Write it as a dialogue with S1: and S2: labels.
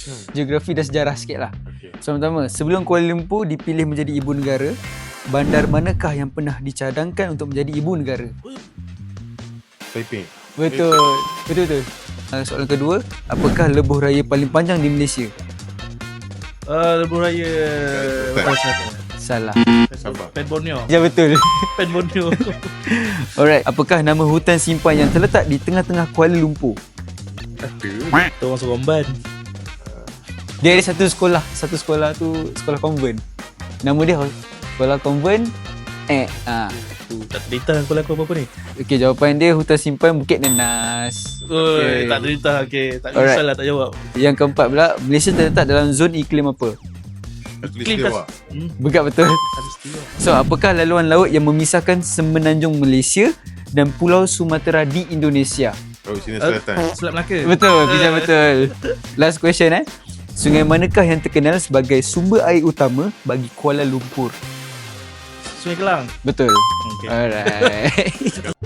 S1: Geografi dan sejarah sikit lah.
S2: Okay.
S1: Soalan pertama, sebelum Kuala Lumpur dipilih menjadi ibu negara, bandar manakah yang pernah dicadangkan untuk menjadi ibu negara?
S2: Taiping.
S1: Betul. Betul. Soalan kedua, apakah lebuh raya paling panjang di Malaysia?
S3: Lebuh Raya
S1: Salah.
S2: Sabah.
S3: Pen Borneo.
S1: Ya, betul.
S3: Pen Borneo.
S1: Alright, apakah nama hutan simpan yang terletak di tengah-tengah Kuala Lumpur?
S2: Ada.
S3: Kita orang Soromban.
S1: Dia ada satu sekolah tu sekolah konvent. Nama dia sekolah konvent.
S3: Tak cerita aku laku apa-apa ni.
S1: Okey, jawapan dia hutan simpan Bukit Nenas.
S3: Oi, tak cerita. Okay. Tak
S1: Alright.
S3: kisahlah tak jawab.
S1: Yang keempat pula, Malaysia terletak dalam zon iklim apa?
S2: Katulistiwa.
S1: Betul betul.
S3: Katulistiwa.
S1: So, apakah laluan laut yang memisahkan semenanjung Malaysia dan Pulau Sumatera di Indonesia?
S2: Oh, sini selatan.
S3: Selat Melaka.
S1: Betul, bisa betul. Last question Sungai manakah yang terkenal sebagai sumber air utama bagi Kuala Lumpur?
S3: Sungai Kelang.
S1: Betul.
S3: Okay.
S1: Alright.